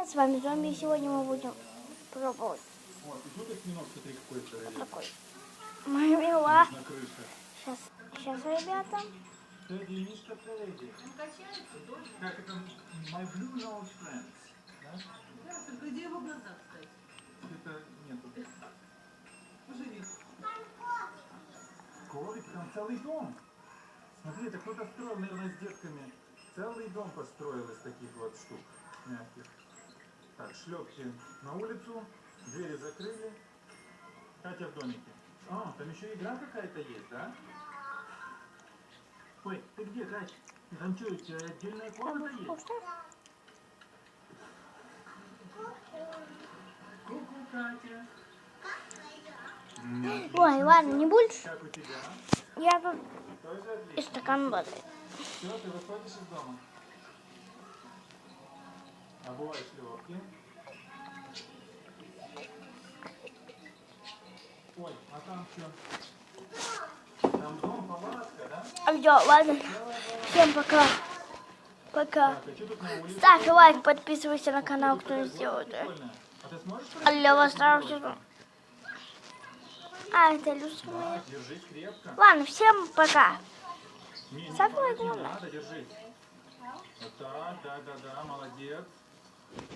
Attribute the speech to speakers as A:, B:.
A: С вами Зомби, и сегодня мы будем пробовать
B: Вот, и тут осьминог, смотри, какой здоровенный.
A: такой. Мармела.
B: На крыше.
A: Сейчас, ребята.
B: Тедди, Мишка, Тедди. Как это? My Blue Nose Friends. Да?
C: Да, только где его глаза, кстати?
B: Это нету.
C: Поживи.
B: Кролик, там целый дом. Смотри, это кто-то строил, наверное, с детками. Целый дом построил из таких вот штук мягких. Так, шлепки на улицу, двери закрыли. Катя в домике. А, там еще игра какая-то есть, да? Ой, ты где, Катя? Там что, у тебя отдельная комната есть? Ку-ку, Катя.
A: Ой, ладно, не будешь?
B: Как у тебя?
A: Я тут
B: Тоже
A: и
B: отлично.
A: стакан воды.
B: Все, ты выходишь из дома? Обуваешь шлепки. Ой, а там что? Там дом, палатка, да?
A: Все, ладно. Всем пока. Пока.
B: Так, а что тут на улице?
A: Ставь лайк, подписывайся на канал, кто не сделал это.
B: Прикольно. А ты сможешь
A: А для вас старого
B: пройти?
A: сезона. А, это люстра
B: Да,
A: моя.
B: держись крепко.
A: Ладно, всем пока.
B: Не,
A: Ставь
B: падать
A: лайк,
B: не надо, держись. Вот так, да, молодец.